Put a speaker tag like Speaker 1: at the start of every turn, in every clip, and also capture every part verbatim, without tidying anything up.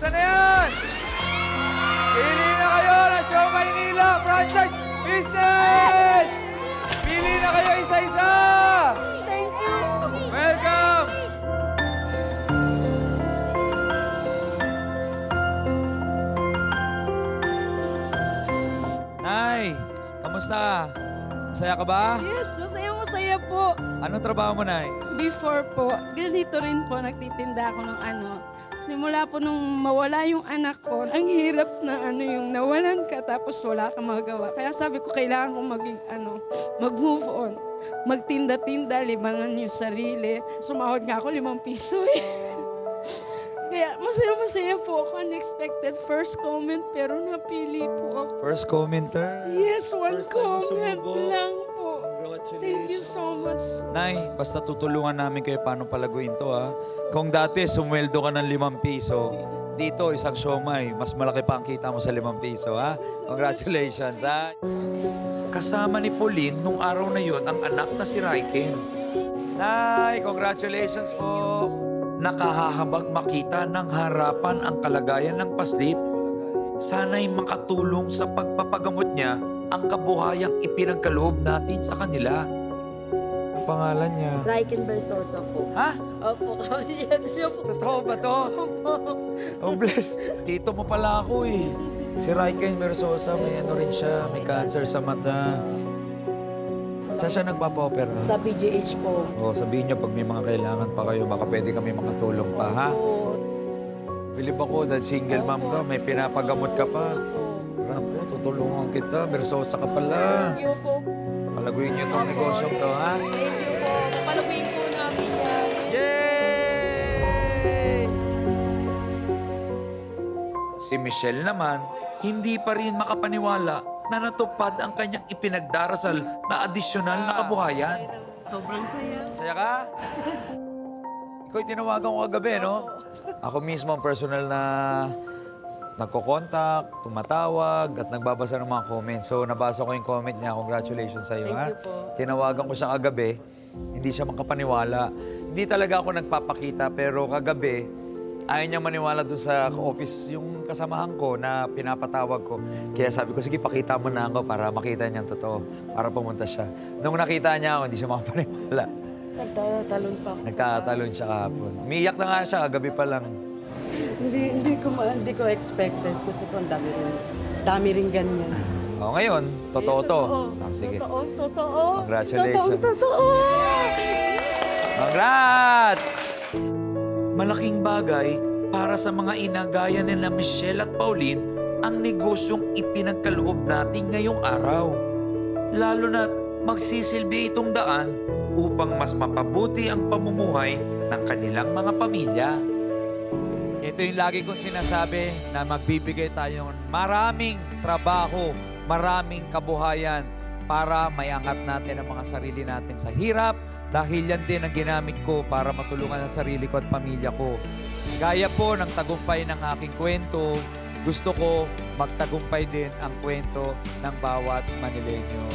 Speaker 1: Nasaan na yan? Pili na kayo ng Show Maynila Franchise Business! Pili na kayo isa-isa!
Speaker 2: Thank you.
Speaker 1: Welcome! Nay, kamusta? Masaya ka ba?
Speaker 2: Yes, masaya-masaya po.
Speaker 1: Anong trabaho mo, Nay?
Speaker 2: Before po, ganito rin po, nagtitinda ako ng ano. Simula po nung mawala yung anak ko, ang hirap na ano yung nawalan ka tapos wala kang magawa. Kaya sabi ko, kailangan kong maging ano, mag-move on. Magtinda-tinda, libangan yung sarili. Sumahod nga ako limang piso eh. Kaya masaya-masaya po ako. Unexpected first comment pero napili po ako.
Speaker 1: First commenter.
Speaker 2: Yes, one
Speaker 1: First time mo
Speaker 2: comment
Speaker 1: sumubok.
Speaker 2: lang po.
Speaker 1: Congratulations.
Speaker 2: Thank you so much.
Speaker 1: Nay, basta tutulungan namin kayo paano palaguin to, ha? Kung dati sumweldo ka ng limang piso, dito isang siomay, mas malaki pa ang kita mo sa limang piso, ha? Congratulations, ha? Kasama ni Pauline nung araw na yon ang anak na si Raiken. Nay, congratulations po. Nakahahabag makita ng harapan ang kalagayan ng paslit. Sana'y makatulong sa pagpapagamot niya ang kabuhayang ipinagkaloob natin sa kanila. Ang pangalan niya?
Speaker 3: Raiken Versosa po.
Speaker 1: Ha?
Speaker 3: Opo, kami yan.
Speaker 1: Totoo ba to? Oh, bless. Tito mo pala ako eh. Si Raiken Versosa, may ano rin siya, may cancer sa mata. Saan siya nagpapa-opera?
Speaker 3: Sa P G H po.
Speaker 1: O, sabihin niyo pag may mga kailangan pa kayo, baka pwede kami makatulong pa, ha?
Speaker 3: Opo.
Speaker 1: Bilib ako dahil single mom ka, may pinapagamot ka pa. Rapo, tutulungan kita. Versosa ka pala.
Speaker 3: Thank you po.
Speaker 1: Palaguin niyo itong negosyo to, ha?
Speaker 3: Thank you po. Papalaguin po namin yan.
Speaker 1: Yay! Si Michelle naman, hindi pa rin makapaniwala na natupad ang kanyang ipinagdarasal na adisyonal na kabuhayan.
Speaker 3: Sobrang saya.
Speaker 1: Saya ka? Ikaw tinawagan ko kagabi, no? Ako mismo ang personal na nagko-contact, tumatawag, at nagbabasa ng mga comments. So, nabasa ko yung comment niya. Congratulations sa iyo,
Speaker 3: Thank
Speaker 1: ha?
Speaker 3: you po.
Speaker 1: Tinawagan ko siya kagabi. Hindi siya makapaniwala. Hindi talaga ako nagpapakita, pero kagabi, ayaw niya maniwala doon sa office yung kasamahan ko na pinapatawag ko. Kaya sabi ko, sige, pakita mo na ako para makita niya ang totoo, para pumunta siya. Nung nakita niya ako, hindi siya makapaniwala.
Speaker 3: Nagtatalon pa ako.
Speaker 1: Nagtatalon siya kahapon. Umiiyak na nga siya, kagabi pa lang.
Speaker 3: Hindi, hindi ko ma- hindi ko expected kasi po ang dami rin. Dami rin ganyan.
Speaker 1: O, ngayon, totoo to. Ah, sige.
Speaker 3: Totoo, totoo.
Speaker 1: Congratulations.
Speaker 3: Totoo, totoo.
Speaker 1: Congrats! Malaking bagay para sa mga ina gaya nila Michelle at Pauline ang negosyong ipinagkaloob natin ngayong araw. Lalo na't magsisilbi itong daan upang mas mapabuti ang pamumuhay ng kanilang mga pamilya. Ito yung lagi kong sinasabi na magbibigay tayo ng maraming trabaho, maraming kabuhayan para maiangat natin ang mga sarili natin sa hirap dahil yan din ang ginamit ko para matulungan ang sarili ko at pamilya ko. Gaya po ng tagumpay ng aking kwento, gusto ko magtagumpay din ang kwento ng bawat Manileño.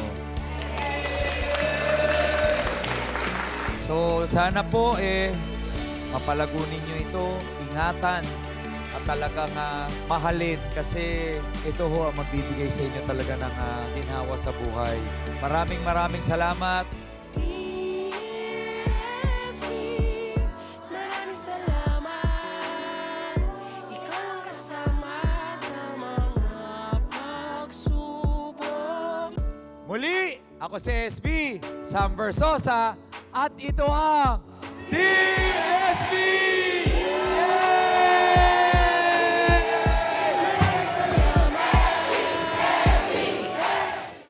Speaker 1: So sana po eh mapalago ninyo ito, ingatan at talagang uh, mahalin kasi ito ho ang magbibigay sa inyo talaga ng uh, ginhawa sa buhay. Maraming maraming salamat.
Speaker 4: Maraming salamat. Ikaw ang kasama sa mga pagsubok.
Speaker 1: Muli, ako si S B, Sam Versosa, at ito ang D S B!